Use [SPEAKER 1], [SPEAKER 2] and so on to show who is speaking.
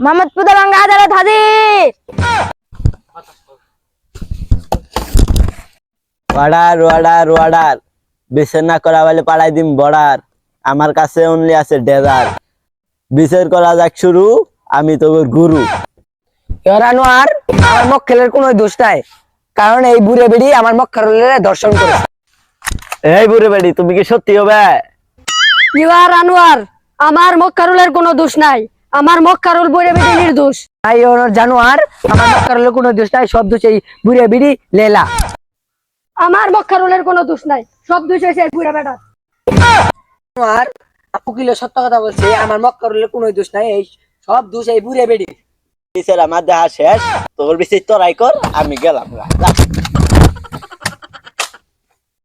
[SPEAKER 1] মোহাম্মদপুর দাঙ্গা আদালত হাজির।
[SPEAKER 2] অর্ডার অর্ডার অর্ডার, বিচার না করা বলে পাড়াই দিম বর্ডার। আমার কাছে অনলি আছে ডেজার। বিচার করা যাক শুরু, আমি তোর গুরু।
[SPEAKER 3] আনোয়ার, আমার মক্কেলের কোনো দোষ নাই, কারণ এই বুড়ে বেড়ি আমার মক্কেলের দর্শন করে।
[SPEAKER 2] এই বুড়ে বেড়ি, তুমি কি সত্যি হবে?
[SPEAKER 1] ইউর আনোয়ার, আমার মক্কারুলের কোনো দোষ নাই, আমার মক্কারুল বুড়ে বেড়ে নির্দোষ।
[SPEAKER 3] তাই জানোয়ার, আমার মক্কেলের কোনো দোষ নাই, সব দোষ এই বুড়ে বেড়ি লেলা।
[SPEAKER 1] আমার মক্কারুলের কোনো দোষ নাই, সব দোষ হয়েছে বুড়া বেটা।
[SPEAKER 3] জানোয়ার, উকিল সত্য কথা বলছে, আমার মক্কেলের কোনো দোষ নাই, এই সব দোষ এই বুড়ে বেড়ি।
[SPEAKER 2] বিচার আমার দেখা শেষ, তোর বিচার তোরাই কর, আমি গেলাম।